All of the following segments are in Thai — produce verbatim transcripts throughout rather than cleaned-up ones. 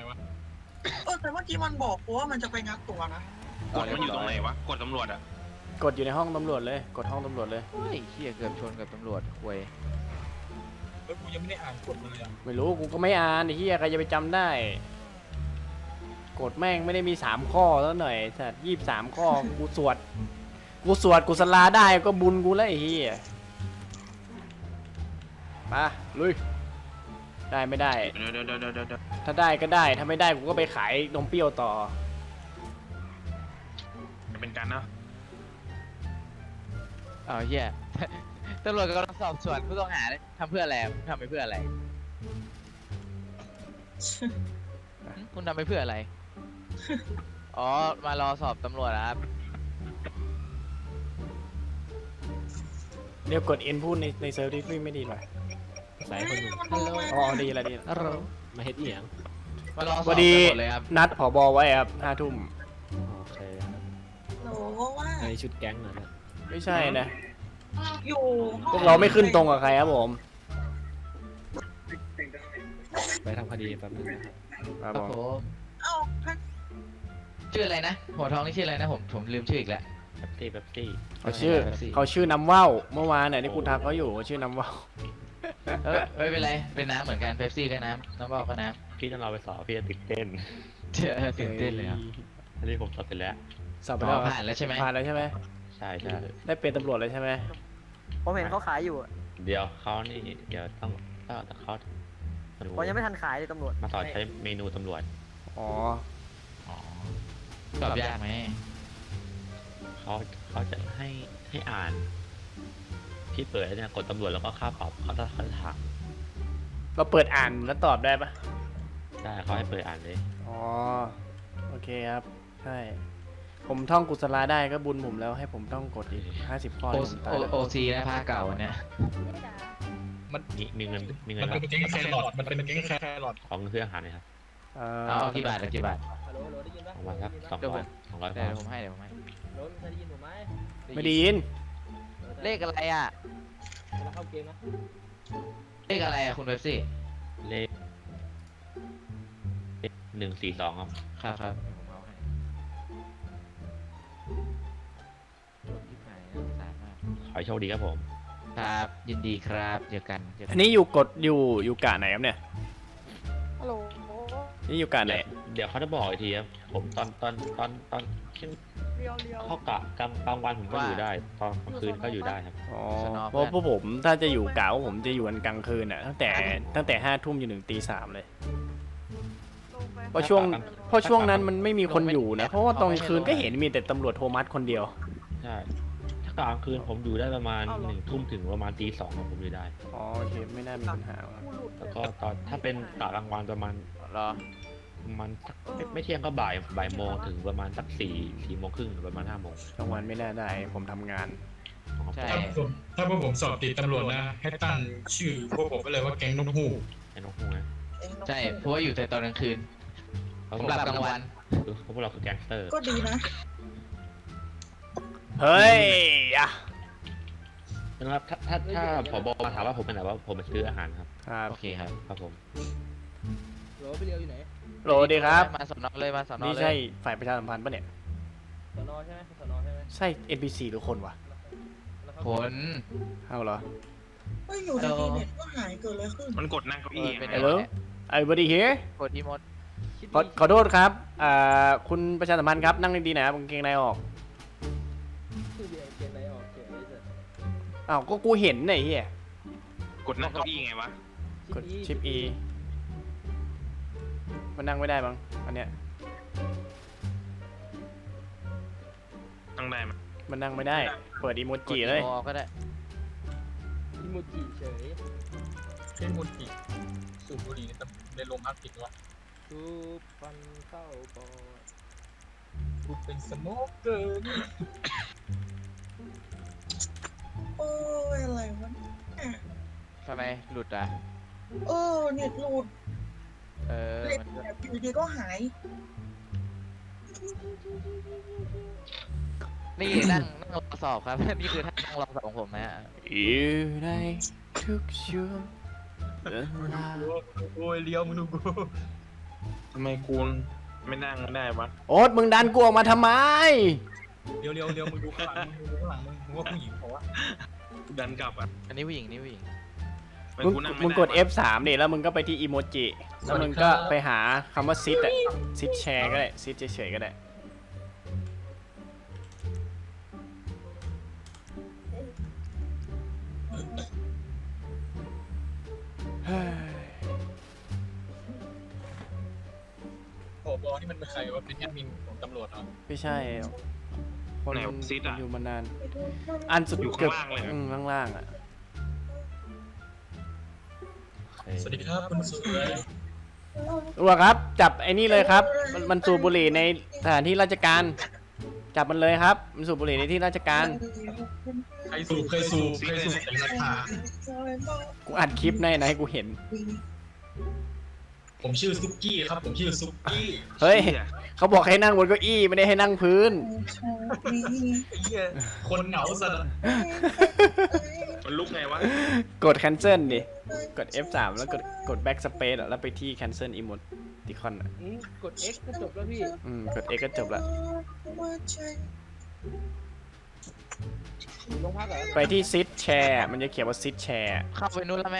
วะเออแต่เมื่อกี้มันบอกกูว่ามันจะไปงัดตัวนะกดมันอยู่ตรงไหนวะกดตำรวจอ่ะกดอยู่ในห้องตำรวจเลยกดห้องตำรวจเลยเฮ้ยเฮียเกือบชนกับตำรวจควยแล้วกูยังไม่ได้อ่านกฎมันเลยอ่ะไม่รู้กูก็ไม่อ่านไอ้เหี้ยใครจะไปจำได้กดแม่งไม่ได้มีสามข้อแล้วหน่อยสัตว์ยี่สิบสามข้อกูสวดกูสวดกูสลาได้ก็บุญกูแล้วไอ้เหี้ยมาลุยได้ไม่ได้เดี๋ยวเดี๋ยวเดี๋ยวเดี๋ยวเดี๋ยวถ้าได้ก็ได้ถ้าไม่ได้กูก็ไปขายนมเปรี้ยวต่อจะเป็นการนะอ้าวเฮีย ตำรวจกำลังสอบสวนผู้ต้องหาเลยทำเพื่ออะไรทำไปเพื่ออะไรคุณทำไปเพื่ออะไรอ๋อมารอสอบตำรวจครับเดี๋ยวกดเอ็นพูดในในเซิร์ฟที่ไม่ดีหน่อยสายคนหนึ่งอ๋อดีละดีละฮัลโหลมาเฮ็ดเอียงมารอสอบพอดีตำรวจเลยครับนัดผบไว้ครับห้าทุ่มโอเคครับโหว่าในชุดแก๊งเหรอเนี่ยไม่ใช่นะอยู่พวกเราไม่ขึ้นตรงกับใครครับผมไปทำคดีแป๊บนึงนะครับครับครับผมผมเอ้าถ้าชื่ออะไรนะหัวทองนี่ชื่ออะไรนะผมผมลืมชื่ออีกแล้วแป๊บซี่แป๊บซี่เขาชื่อเขาชื่อน้ำว่าวเมื่อวานเนี่ยที่กูทักเขาอยู่เขาชื่อน้ำว่าวเออไม่เป็นไรเป็นน้ำเหมือนกันเป๊ปซี่ก็น้ำน้ำเปล่าก็น้พี่ต้องเราไปสอบพี่จะตื่นเต้นำเจอตื่นเต้นเลยครับอันนี้ผมสอบเสร็จแล้วสอบไปอ๋แล้วอผ่านแล้วใช่ไหมผ่านแล้วใช่ไหมใช่ใช่ได้เป็นตำรวจเลยใช่ไหมผมเห็นเขาขายอยู่อะเดี๋ยวเขานี่เดี๋ยวต้องต้องเขามาดูผมยังไม่ทันขายเลยตำรวจมาสอนใช้เมนูตำรวจอ๋ออ๋อสอบยากไหมเขาเขาจะให้ให้อ่านพี่เปิดแล้วเนี่ยกดตำรวจแล้วก็ค่าปรับเขาจะเขาจะถามเราเปิดอ่านแล้วตอบได้ปะได้เขาให้เปิดอ่านเลยอ๋อโอเคครับใช่ผมท่องกุศลาได้ก็บุญผมแล้วให้ผมต้องกดอีกห้าสิบข้อโอเลยผมตายแล้วโอซีนะภาคเก่าเนี่ยมีมีเงินมีเงิมัน นรับเป็นแก๊งแครอทมันเป็นแก๊งแครอทของเพื่ออาหารนะครับเอ่อเอาเอากี่บาทเอากี่บาทประมาณสักสองเดี๋ยวร้ผอยมสองร้อยเดี๋ยวผมให้เดี๋ยวผมให้ไม่ได้ยินเลขอะไรอ่ะเลขอะไรอ่ะคุณเป๊ปซี่เลขหนึ่งสี่สองครับครับครับผมเอาให้โดนที่ไหนน่าสงสารมากขอให้โชคดีครับผมครับยินดีครับเจอกันเจอกัอันนี้อยู่กดอยู่อยู่กะไหนครับเนี่ยฮัลโหลนี่อยู่กะไหนเดี๋ยวเขาจะบอกอีกทีครับผมตอนตอนตอนตอนเช่นเรียวเรียวเข้ากะกลางกลางวันผมก็อยู่ได้ ตอนกลางคืนก็อยู่ได้ครับอ๋อเพราะพวกผมถ้าจะอยู่กะว่าผมจะอยู่กันกลางคืนอ่ะตั้งแต่ตั้งแต่ห้าทุ่มจนถึงตีสามเลย เพราะช่วงเพราะช่วงนั้นมันไม่มีคนอยู่นะ เพราะว่าตอนกลางคืนก็เห็นมีแต่ตำรวจโทมัสคนเดียวใช่ ถ้ากลางคืนผมอยู่ได้ประมาณหนึ่งทุ่มถึงประมาณตีสองผมอยู่ได้อ๋อโอเคไม่น่ามีปัญหาแล้วก็ตอนถ้าเป็นกะกลางวันประมาณรอประมาณสักไม่ไม่เที่ยงก็บ่ายบ่ายโมงถึงประมาณสักสี่สี่โมงครึ่งหรือประมาณห้าโมงกลางวันไม่น่าได้ผมทำงานใช่ถ้าผมถ้าพวกผมสอบติดตำรวจนะ ให้ตั้งชื่อพวกผมไปเลยว่าแก๊งนกฮูกไอ้นกฮูกนะใช่เพราะว่าอยู่แต่ตอนกลางคืนเขาผมหลับกลางวันคือพวกเราคือแก๊งสเตอร์ก็ดีนะเฮ้ยอะนะครับถ้าถ้าถ้าผบมาถามว่าผมเป็นไหนว่าผมไปซื้ออาหารครับครับโอเคครับครับผมโหลดีครับมาสอนอเลยมาสอนอนี่เลยใช่ฝ่ายประชาสัมพันธ์ปะเนี่ยสนอใช่ไหมสนอใช่ไหมใช่ เอ็น พี ซี หรือคนวะผลเอาเหรอเฮ้ยอยู่ดีๆเน็ตก็หายเกิดอะไรขึ้นมันกดนั่งเก้าเออี้อเป็นไง Hello everybody here กดอีโมดขอขอโทษครับอ่าคุณประชาสัมพันธ์ครับนั่งดีๆนะครับกางเกงในออกคือเบียร์เกมไหนออกเกมนี้เสร็จอ้าวก็กูเห็นไอ้เหี้ยกดนั่งเก้าอี้ไงวะกดชิป E มันนั่งไม่ได้บ้างอันเนี้ยนั่งได้ไหมมันนั่งไม่ได้ เปิดอีโมจิเลยกดอีโมก็ได้อิโมจิเฉยเช่นมุนอีกสูบบุหรี่ในตำในโรงพักติดวะทูบฟันเข้าปอดกูเป็นสโมกเกอร์นี่โอ้ยอะไรวะเนี่ยทำไมหลุดอ่ะเออเน็ตหลุดเออเน็ตมันก็แบบอยู่ดีก็หายนี่นั่งนั่งรอสอบครับ นี่คือท่านั่งรอสอบของผมนะฮะอยู่ในทุกช่วงเวลาโอ้ยเลี้ยวมึงดูกูทำไมกูไม่นั่งได้วะโอ๊ตมึงดันกูออกมาทำไมเร็วเร็วเร็วมึงดูข้างหลังมึงดูข้างหลังมึงมึงว่าผู้หญิงเพราะว่าดันกลับอ่ะอันนี้ผู้หญิงนี่ผู้หญิงทำไมมึงกูนั่งไม่มึงได้กดวะเอฟ สาม ดิแล้วมึงก็ไปที่อีโมจิ แล้วมึงก็ไปหาคำว่าซิดอะซิดแชร์ก็ได้ซิดเฉยๆก็ได้ เฮ้ยผบนี่มันเป็นใครวะเป็นแอดมินของตำรวจเหรอไม่ใช่คนไหนซิดอะอยู่มานาน อันสุดอยู่เกือบข้างล่างเลยนะอืมข้างล่างอะสวัสดีครับคุณสวยตำรวจครับ จับไอ้นี่เลยครับ มันมันสูบบุหรี่ในสถานที่ราชการ จับมันเลยครับ มันสูบบุหรี่ในที่ราชการใครสูบใครสูบใครสูบแต่ราคากูอัดคลิปในไหนกูเห็นผมชื่อซุกี้ครับผมชื่อซุกี้เฮ้ยหี้เขาบอกให้นั่งบนเก้าอี้ไม่ได้ให้นั่งพื้นไอ้เหี้ยคนเหงาสัตว์มันลุกไงวะกด cancel ดิ กด เอฟ สาม แล้วกดกด backspace อะแล้วไปที่ cancel emoticon อะอืมกด X ก็จบแล้วพี่อืม กด X ก็จบละอยู่โรงพักเหรอไปที่ sit share มันจะเขียนว่า sit share เข้าไปนู้นแล้วไหม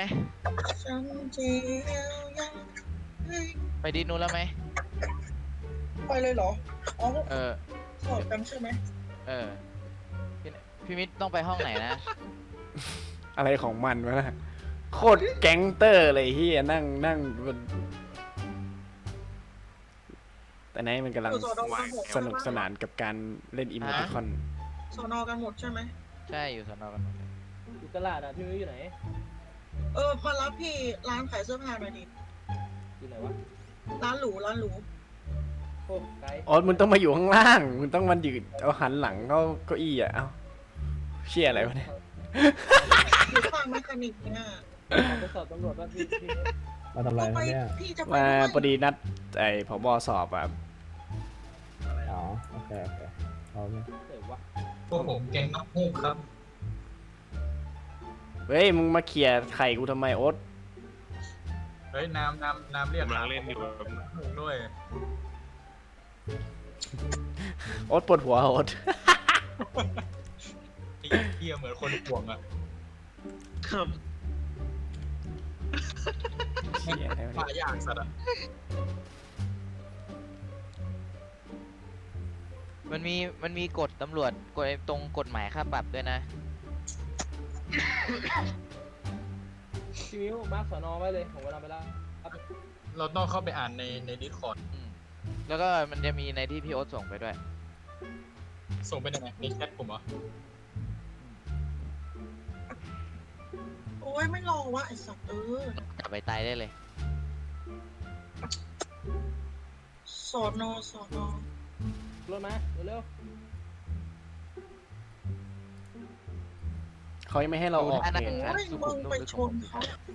ไปดีนู้นแล้วไหมไปเลยเหรอ อ๋อเออสอบกันใช่ไหมเออพี่พี่มิตรต้องไปห้องไหนนะอะไรของมันวะนะโคตรแก๊งเตอร์เลยเฮียนั่งนั่งบนแต่ไหนมันกำลังอยู่สอนอกันหมดสนุกสนานกับการเล่น emoticon สอนอกันหมดใช่ไหมใช่อยู่สอนอกันหมดเลยอยู่ตลาดอ่ะพี่มิ้วอยู่ไหนเออมารับพี่ร้านขายเสื้อผ้าหน่อยดิอยู่ไหนวะร้านหรูร้านหรูโอ้ไกลอ๋อมึงต้องมาอยู่ข้างล่างมึงต้องมันยืนเอาหันหลังเข้าเก้าอี้อ่ะเอ้าเชี่ยอะไรวะเนี่ยอยู่ข้างแมคคานิกเนี่ยขอไปสอบตำรวจว่าพี่พี่มาทำอะไรเอาคไปรับเนี่ยพี่จะไปมาด้วยพอดีนัดไอ้ผบสอบอ่ะอ๋อ โอเค โอเคเอาเนี่ยเดี๋ยววะพวกผมแกงนกฮูกครับเฮ้ยมึงมาเขี่ยไข่กูทำไมโอ๊ตเฮ้ยน้ำน้ำน้ำเรียกกำลังเล่นอยู่ฮูกด้วยโอ๊ตปวดหัวโอ๊ตไอ้เหี้ยเหมือนคนห่วงอ่ะครับเชี่ยอะไรวะมาเนี่ยยากสัตว์อ่ะมันมีมันมีกฎตำรวจกฎไอ้ตรงกฎหมายค่าปรับด้วยนะพี่มิ้วมาร์คสอนอไว้เลยผมกำลังไปแล้วครับเราต้องเข้าไปอ่านในในดิสคอร์ดอืมแล้วก็มันจะมีในที่พี่โอ๊ตส่งไปด้วยส่งไปยังไงในแชทผมเหรอโอ้ยไม่รอวะไอสัตว์เออจับไปตายได้เลยสอนอสอนอรถมาเร็วเขายังไม่ให้เราออกดูท่านั่งเพจอ่ะโอ้ยมึงไปชนเขา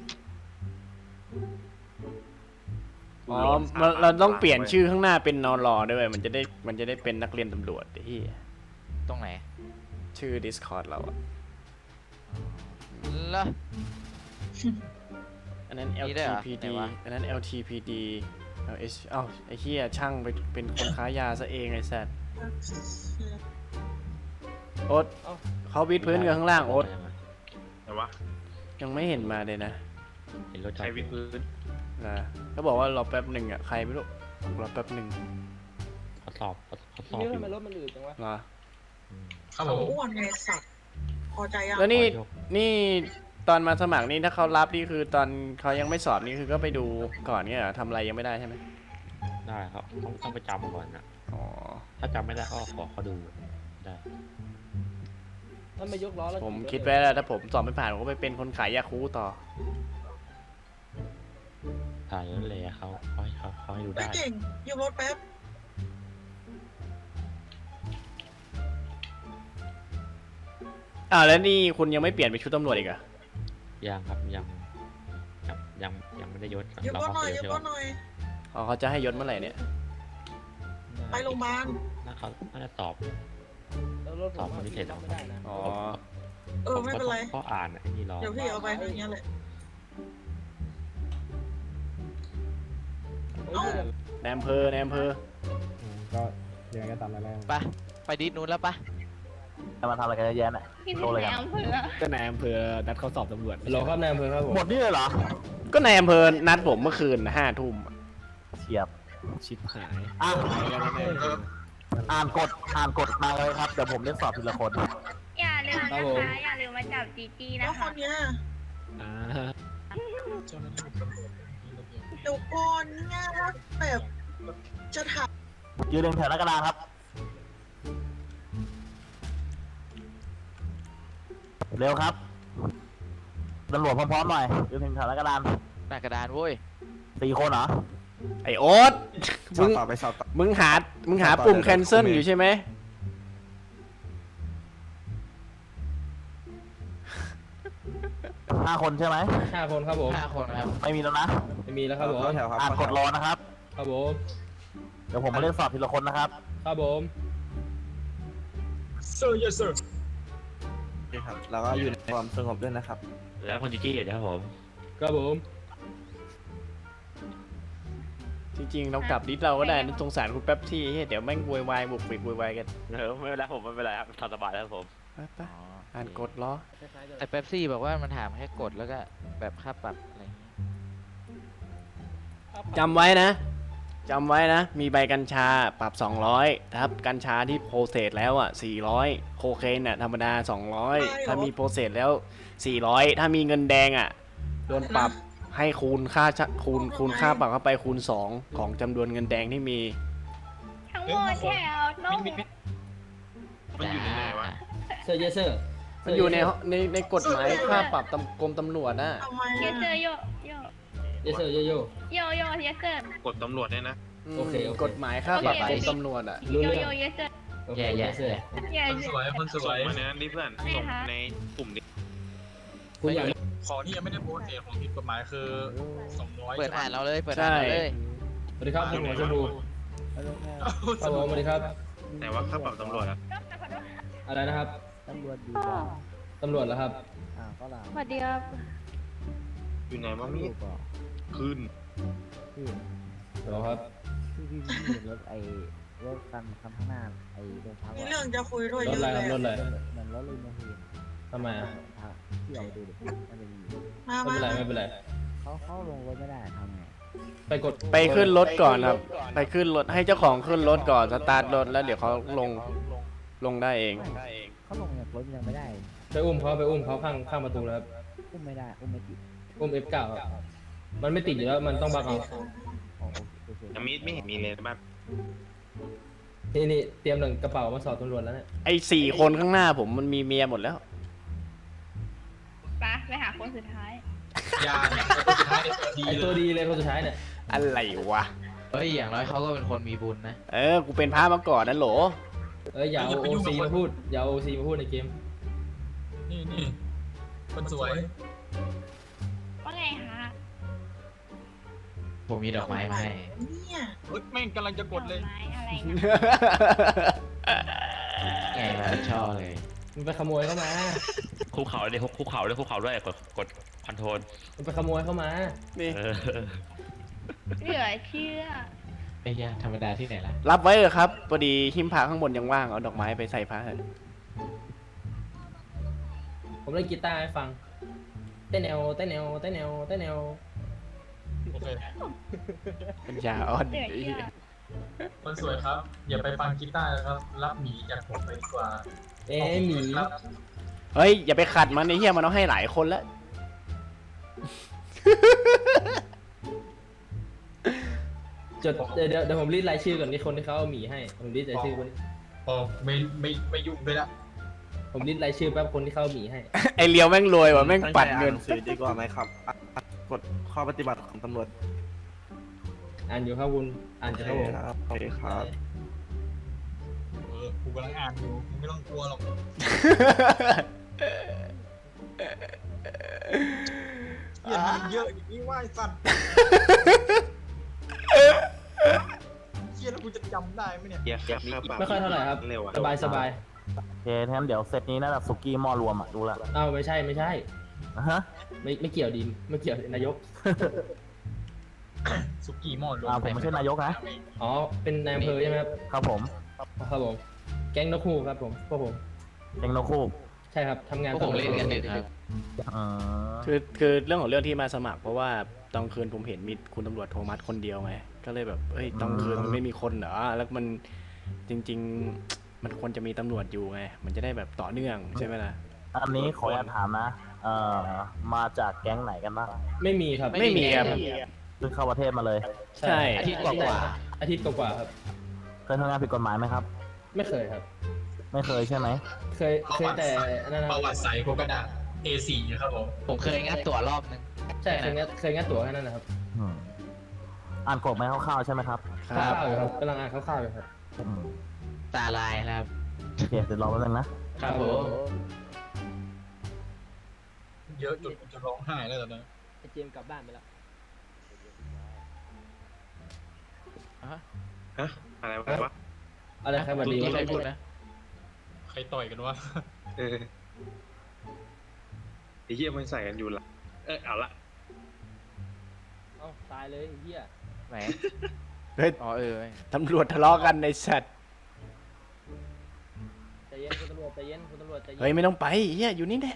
อ๋อมันเราต้องเปลี่ยนชื่อข้างหน้าเป็นนอรอด้วยมันจะได้มันจะได้เป็นนักเรียนตำรวจที่ตรงไหนชื่อ Discord เราอะแล้วอันนั้นมีด้วยเหรอ LTPD ไหนวะอันนั้น LTPD LH เอ้าไอ้เหี้ยช่างไปเป็นคนค้ายาซะเองไอ้แซดโอ๊ตเขาวิดพื้นกันข้างล่างโอ๊ตแต่ว่ายังไม่เห็นมาเลยนะเห็นรถจอใช้ดวิดพื้นนะเขาบอกว่ารอแป๊บหนึ่งอะใครไม่รู้รอแป๊บหนึ่งเขาสอบเขาเขาสพี่อบมิ้วอยู่ทำไมรถมันอืดจังวะเหรออืมครับผเขามอ้วนไงสัตว์พอใจยังแล้วนี่ขอยกนี่ตอนมาสมัครนี่ถ้าเขารับนี่คือตอนเขายังไม่สอบนี่คือก็ไปดูก่อนเนี่ยเหรอทำอะไรยังไม่ได้ใช่ไหมได้ครับต้องต้องไปจำก่อนนะอ๋อถ้าจำไม่ได้ก็ขอเขาดูได้มันมายกล้อแล้วผมคิดไว้แล้วถ้าผมสอบไม่ผ่านผมก็ไปเป็นคนขายยาคูต่อถ่ายรถเลยเขาเขาให้เขาเขาให้ดูไม่ได้เก่งยืมรถแป๊บอ้าวแล้วนี่คุณยังไม่เปลี่ยนเป็นชุดตำรวจอีกเหรอะยังครับยังยังยังยังไม่ได้ยศยืมเรารถเข้าหน่อยเซลยืล์มใช่ไหมรถหน่อยอ๋อเขาจะให้ยศเมื่อไหร่เนี่ยไปโรงพยาบาลน่าเขาน่าจะสอบแล้วรถผมสอบคนพิเศษเหรอไม่ได้นะอ๋อเออไม่เป็นไรก็อ่านไอ้นี่รอเดี๋ยวพี่เอาไปอย่างเงี้ยแหละเฮ้ยเดี๋ยวในอำเภอในอำเภออืมก็ยังไงก็ตามนั้นแหละไปไปดิสนู้นแล้วปะจะมาทำอะไรกันเยอะแยะน่ะที่โตเลยไหนกันอำเภอก็นายอำเภอนัดเขาสอบตำรวจรอครับนายอำเภอครับผมหมดนี่เลยเหรอก็ในอำเภอนัดผมเมื่อคืนห้าทุ่มเฉียบชิบหายอ่ะหายกันแน่เลยอ่านกฎอ่านกฎมาเลยครับเดี๋ยวผมเรียกสอบทีละคนอย่าลืมนะคะอย่าลืมมาจับจีจีแล้นะวคคะนเนี้ยอ่าเจ้าหน้าที่ตำรวจมีระเบียบเดี๋ยวก่อนเนี่ยว่าแบบจะถามยืนเรียงแถวหน้ากระดานครับเร็วครับตำรวจพร้อมๆหน่อยยืนเรียงแถวหน้ากระดานหน้ากระดานเว้ยสี่คนเหรอไอโอ๊ตมึงมึงหามึงหาปุ่ม cancel อยู่ใช่ไหมห้าคนใช่ไหมห้าคนครับผมห้าคนครับไม่มีแล้วนะไม่มีแล้วครับผมอ่านกฎรอนะครับครับผมเดี๋ยวผมมาเรียกสอบทีละคนนะครับครับผมเซอร์ yes sir ครับแล้วก็อยู่ในความสงบด้วยนะครับแล้วคนจีจี้อยู่นะครับผมครับผมจริงๆเรากลับดิสเราก็ได้นะสงสารคุณแป๊บที่เฮ้ยเดี๋ยวแม่งโวยวายบุกบิกโวยวายกันเออไม่เป็นไรผมไม่เป็นไรครับทำสบายแล้วครับผมไปไปอ่านกฎล้อแต่เป๊ปซี่บอกว่ามันถามแค่กดแล้วก็แบบค่าปรับอะไรอย่างงี้จำไว้นะจำไว้นะ มีใบกัญชาปรับสองร้อยครับกัญชาที่โปรเซสแล้วอ่ะสี่ร้อยโคเคนน่ะธรรมดาสองร้อยถ้ามีโปรเซสแล้วสี่ร้อยถ้ามีเงินแดงอ่ะโดนปรับให้คูณค่าชะคูณคูณค่าปรับเข้าไปคูณสองของจำนวนเงินแดงที่มีทั้งหมดแถวต้องมันอยู่ในไหนวะเซอร์เยสเซอร์มันอยู่ในในในกฎหมายค่าปรับตำกรมตำรวจน่ะทำไมเยอะเจอโยโยเยสเซอร์โยโย่โยโยเยเจอกดตำรวจเนี่ยนะอืมโอเคโอเคกฎหมายค่าปรับกรมตำรวจอ่ะรู้โยเรื่องโยเยเจอโอเคแย่เยแย่สเซอร์เย่คนสวยคนสส่วงยมาในนั้นดิเพื่อนไม่ส่งฮะในกลุ่มดิคุณอยากของที่ยังไม่ได้โพสต์เนี่ยของผิดกฎหมายคือสองร้อยเปิดใช่ไหมอ่านเราเลยเปิดอ่านเราเลยสวัสดีครับคุณหมอชมพูครับผมสวัสดีครับแต่ว่าค่าปรับตำรวจอะอะไรนะครับตำรวจอยู่ตำรวจเหรอครับอ่าก็ล่ะสวัสดีครับอยู่ไหนวะมีดขึ้นเหรอครับพี่พี่พี่เห็นรถไอ้รถคันคันข้างหน้าไอ้โรงพักมีเรื่องจะคุยด้วยรเยถอะอะไรเลครับรถยอะไรเหมือนรถลิมูซีนทำไมอ่ะพี่เอาไปดูดิมันจะมีอยู่มาไม่มาเป็นไรไม่เป็นไรเขาเข้าลงรถไม่ได้ทำไงไปกดไปขึ้นรถก่อนครับ ไปขึ้นรถให้เจ้าของขึ้นรถก่อนสตาร์ทรถแล้วเดี๋ยวเขาลงลงได้เองเขาลงจากรถยังไม่ได้ไปอุ้มเขาไปอุ้มเขาข้างข้างประตูแล้วครับอุ้มไม่ได้อุ้มไม่ติดอุ้ม เอฟ เก้า ครับมันไม่ติดอยู่แล้วมันต้องบังเอาอ๋อโอเคแต่มีดไม่เห็นมีเลยบ้างนี่นี่เตรียมหนึ่งกระเป๋ามาสอบตำรวจแล้วเนี่ยไอ้สี่คนข้างหน้าผมมันมีเมียหมดแล้วไปไปหาคนสุดท้ายยาเนี่ยคนสุดท้ายไอ้ตัวดีไอเลตัวย ดีเลยคนสุดท้ายเนี่ยอะไรวะเฮ้ยอย่างน้อยเขาก็เป็นคนมีบุญนะเออ กูเป็นพระมาก่อนนะโหลเอ้ยอย่าเอาโอซีมาพูดอย่าเอาโอซีมาพูดในเกมนี่นี่คนสวยว่าไงฮะผมมีดอกไม้มาให้เนี่ยเฮ้ยแม่งกำลังจะกดเลยไม้อะไรนะไงมาชอบเลยมันไปขโมยเข้ามาคุกเข่าเลยคุกเข่าด้วยคุกเข่าด้วยกดกดคอนโทรลมันไปขโมยเข้ามานี่เออเหลือเชื่อไอ้ยาธรรมดาที่ไหนล่ะรับไว้เถอะครับพอดีหิ้มพระข้างบนยังว่างเอาดอกไม้ไปใส่พระเถอะผมเล่นกีตาร์ให้ฟัง เต้นแนวเต้นแนวเต้นแนวเต้นแนวโอเคปัญญาอ่อนเหลือเชื่อคนสวยครับ อย่าไปฟังกีตาร์นะครับ รับหมีจากผมไปดีกว่าเอ๊ะหมีครับเฮ้ย อย่าไปขัดมันไอ้เหี้ยมันเอาให้หลายคนแล้วจดเดี๋ยวเดี๋ยวเดี๋ยวผมรีดรายชื่อก่อนนี่คนที่เขาเอาหมีให้ผมรีดรายชื่อคนโอ้ไม่ไม่ไม่ยุ่งด้วยละผมรีดรายชื่อแป๊บคนที่เขาเอาหมีให้ไอเลียวแม่งรวยว่ะแม่งปัดเงินสื่อดีกว่าไหมครับอ่ะกฎข้อปฏิบัติของตำรวจอ่านอยู่ครับคุณอ่านจากครับผมครับโอเคครับเออกูกำลังอ่านอยู่มึงไม่ต้องกลัวหรอกเหี้ยมันเยอะอย่างนี้ว่าไอ้สัตว์เชี่ยแล้วกูจะจำได้ไหมเนี่ยเกียร์ค่าปรับไม่ค่อยเท่าไหร่ครับเร็วอะสบายสบายโอเคงั้นเดี๋ยวเซตนี้น่าจะสุกี้หม้อรวมอ่ะดูละอ้าวไม่ใช่ไม่ใช่อ่ะฮะไม่ไม่เกี่ยวดินไม่เกี่ยวนายกสุกี้หม้อรวอ่าม ผมไม่ใช่นายกนะอ๋อ เป็นนายอำเภอใช่ไหมครับครับผมครับผม แก๊งนกฮูกครับผม พวกผมเองนกคู่ใช่ครับทำงานพวกผมเล่นกันดึกครับอ่าคือคือเรื่องของเรื่องที่มาสมัคร เพราะว่าตอนคืนผมเห็นมีคุณตำรวจโทมัสคนเดียวไง ก็เลยแบบเอ้ยตอนคืนมันไม่มีคนเหรอ แล้วมันจริง ๆ มันควรจะมีตำรวจอยู่ไง มันจะได้แบบต่อเนื่องใช่ไหมล่ะอันนี้ขออนุญาตถามนะ เอ่อ มาจากแก๊งไหนกันบ้างไม่มีครับไม่มีครับเพิ่งเข้าประเทศมาเลยใช่อาทิตย์กว่าอาทิตย์กว่าๆครับเคยทำงานผิดกฎหมายไหมครับไม่เคยครับไม่เคยใช่ไหมเคย เคยแต่นั่นนะปครัระบวัติใสพวกกระดาษ เอ โฟร์ ครับผมผมเคยงัดตั๋วรอบนึงใช่ เคยงัดเคยงัดตั๋วแค่นั้นนะครับอืมอ่านกฎไหมคร่าวๆใช่ไหมครับคครัร่าบวๆอยู่ครับกำลังอ่านคร่าวๆอยู่ครับอืมตาลายแล้วครับโอเคเดี๋ยวรอแป๊บนึงนะครับผมเยอะจนจะร้องไห้แล้วตอนนั้นไอเจมส์กลับบ้านไปแล้วฮะอะไรวะอะไรครับสวัสดีที่ใครพูดนะใครต่อยกันวะเออไอ้เหี้ยมันใส่กันอยู่ละเออเอาละเอ้าตายเลยไอ้เหี้ยไหนเฮ้ยอ๋อเออตำรวจทะเลาะกันในสัตว์ใจเย็นคุณตำรวจใจเย็นคุณตำรวจใจเย็นเฮ้ยไม่ต้องไปเฮียอยู่นี่แหละ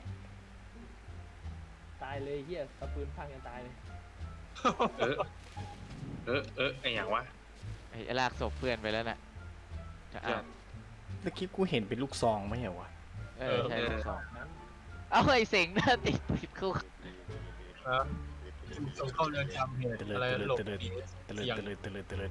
ตายเลยเหี้ยตะปืนพังกันตายเลยเออ เออ เออไอ้อย่างวะไอ้ลากศพเพื่อนไปแล้วน่ะจะอ่านเมื่อกี้กูเห็นเป็นลูกซองไม่เหรอวะเออใช่เออลูกสองเอาไอ้เสงหน้าติดติดคุกส่งเข้าเรือนจำเหตุอะไรหลบหนีตะเลิดตะเลิดตะเลิดตะเลิด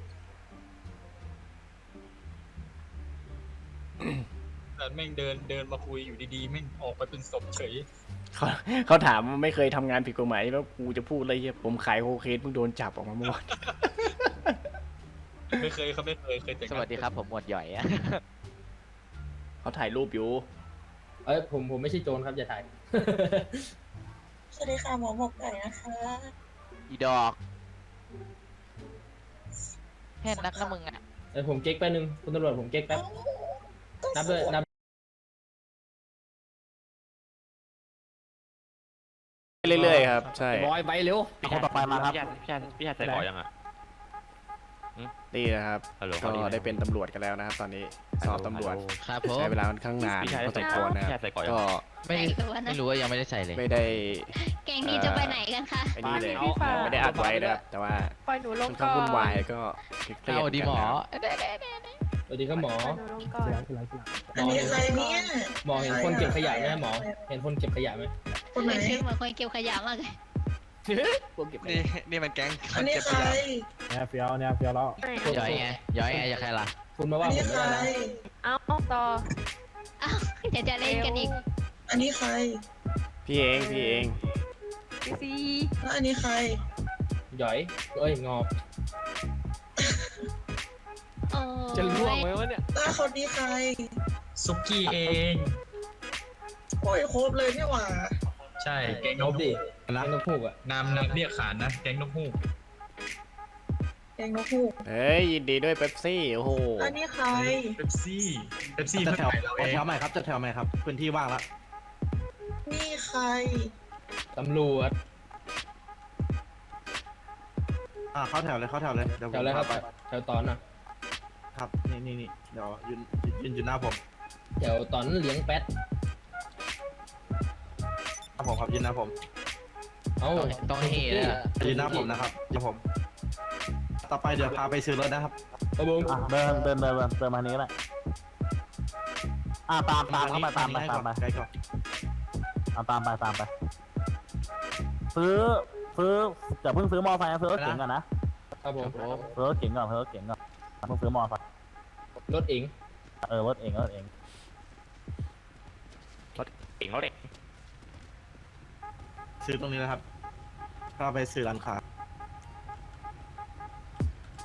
แต่แม่งเดินเดินมาคุยอยู่ดีๆแม่งออกไปเป็นศพเฉยเขาเขาถามว่าไม่เคยทำงานผิดกฎหมายแล้วกูจะพูดอะไรเฮียผมขายโคเคนเพิ่งโดนจับออกมาเมื่อวานไม่เคยเขาไม่เคยเคยแต่งสวัสดีครับผมหมวดหย่อยอะเขาถ่ายรูปอยู่เอ้ยผมผมไม่ใช่โจรครับอย่าถ่ายสวัสดีค่ะหมอหมกไก่นะคะอีดอกแค่นักนะมึงอ่ะเอ้ยผมเก๊กแป๊บนึงคุณตำรวจผมเก๊กแป๊บนับเลยนับเรื่อยๆครับใช่บอยไปเร็วคนต่อไปมาครับพี่ชายพี่ชายพี่ชายใส่ก่อยังอ่ะนี่นะครับฮัลโหลก็ได้เป็นตำรวจกันแล้วนะครับ ตอนนี้สอบตำรวจครับผมใช้เวลาค่อนข้างนานพี่ชายพอสใส่มก่คอวรยังนะคพี่รัชาบยใส่ก่อยังก็ไม่ไหนตัวนะไม่รู้ว่ายังไม่ได้ใส่เลยไม่ได้แกงนี้จะไปไหนกันคะไอ้นี่เลยพี่ฟ้าไม่ได้อัดไว้นะครับ แต่ว่าปล่อยหนูลค่งอนข้างก่อนวุ่นวายก็เครียดเอาดีหมอกันนะครับสวัสดีครับหมอปล่อยหนูลงก่อนอันนี้ใครเนี่ยหมอเห็นคนเก็บขยะไหมหมอ เห็นคนเก็บขยะไหมคนไหนชื่อเหมือนคนเก็บขยะมากเลยนี่นี่มันแก๊งอันนี้ใครเนี่ยเฟี้ยวเนี่ยเฟี้ยวแล้วหย่อยไงหย่อยไงจะใครล่ะคุณมาอัว่าน ผนี้มใคไม่รได้นะเอาต่ออ้าวเดี๋ยวจะเล่นกันอีกอันนี้ใครพี่เองพี่เองพี่ซีแล้วอันนี้ใครหย่อย เอ้ยงอบโอ้จะล่วงไหมวะเนี่ยแล้วคนนี้ใครซุกี้เองโอ้ยครบเลยเนี่ยหว่าใช่แก๊งงนอก บฮูดิกนางนกฮูกอ่ะนามนามเรียกขานนะแก๊งนกฮูกแกงนกฮูกเฮ้ยยินดีด้วยเป๊ปซี่โอ้โหอันนี้ใครเป๊ปซี่เป๊ปซี่จะเพื่อนแถวถ่ายเราเองแถวใหม่ครับจะแถวใหม่ครับพื้นที่ว่างแล้วนี่ใครตำรวจอ่าเข้าแถวเลยเข้าแถวเลยเดี๋ยวผมแถวอะไรครับพาไปแถวตอนน่ะครับนี่นี่นี่เดี๋ยวยืนยืนอยู่หน้าผมแถวตอนเลี้ยงแป๊ดหน้าผมครับยืนหน้าผมเอ้าต้องต้องเฮเลยอะยืนหน้าผมนะครับยืนผม ต่อไปเดี๋ยวพาไปซื้อรถนะครับครับผมอ่ะเดินเดินเดินเดินเดินมานี้ก็ได้อ่ะตามตามเข้ามาตามไปให้ตาก่มอนไปใกล้ก่อนเอาตามไปตามไป ซื้อซื้อจะเพิ่งซื้อมอไซค์นะซื้อรถเก๋งก่อนนะครับผมซื้อรถเก๋งก่อนซื้อรถเก๋งก่อนเพิ่งซื้อมอไซค์รถเองเออรถเองรถเองเก่งเขาเด็กซื้อตรงนี้นะครับก็ไปซื้อร้านค้า